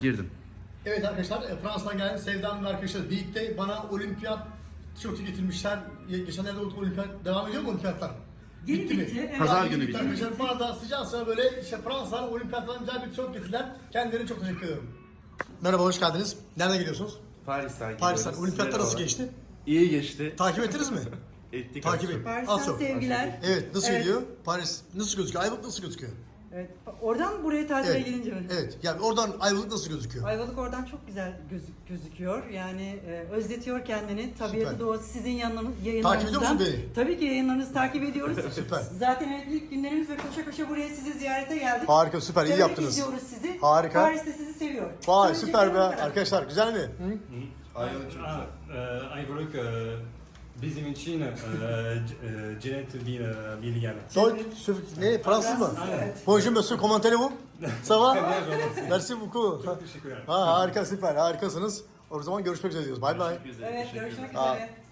Girdim. Evet arkadaşlar, Fransa'dan gelen Sevda Hanım ve arkadaşlar birlikte bana olimpiyat tişörtü getirmişler. Geçenlerde olimpiyat devam ediyor mu olimpiyatlar? Bitti. mi? Pazar Bitti günü bitti. arkadaşlar. Bana da sıcağı sıra böyle işte Fransa'dan olimpiyattan güzel bir tişört getirdiler. Kendilerine çok teşekkür ediyorum. Merhaba, hoş geldiniz. Nereden geliyorsunuz? Paris'ten Paris'ten. gidiyoruz. Olimpiyatlar nasıl Merhaba. geçti? İyi geçti. Takip ettiniz mi? Ettik. Takip az et. çok. Az Paris'ten çok. sevgiler. Evet, nasıl Evet. gidiyor? Paris nasıl gözüküyor? Ayvalık nasıl gözüküyor? Evet. Oradan buraya tatile Evet. gelince mi? Evet. Yani oradan Ayvalık nasıl gözüküyor? Ayvalık oradan çok güzel gözüküyor. Yani özletiyor kendini. Tabiatı, Süper. doğası sizin yayınlarınızdan. Takip ediyor musun beni? Tabii ki yayınlarınızı takip ediyoruz. Süper. Zaten evet, ilk günlerimiz ve koşa koşa buraya sizi ziyarete geldik. Harika, süper. iyi Severek yaptınız. izliyoruz sizi. Harika. Paris de sizi seviyor. Vay, Söyleyeceklerim süper be. bu kadar. Arkadaşlar güzel mi? Ayvalık çok güzel. Ayvalık bizim için cennet bir yer. Soy, ne? Fransız mı? Evet. Bonjour monsieur, comment allez-vous? Ça va? Merci beaucoup. Çok teşekkürler. Ha, harika, süper, harikasınız. O zaman görüşmek üzere diyoruz. Bye bye. Teşekkür ederim. Evet, Teşekkürler. görüşmek Aa. üzere.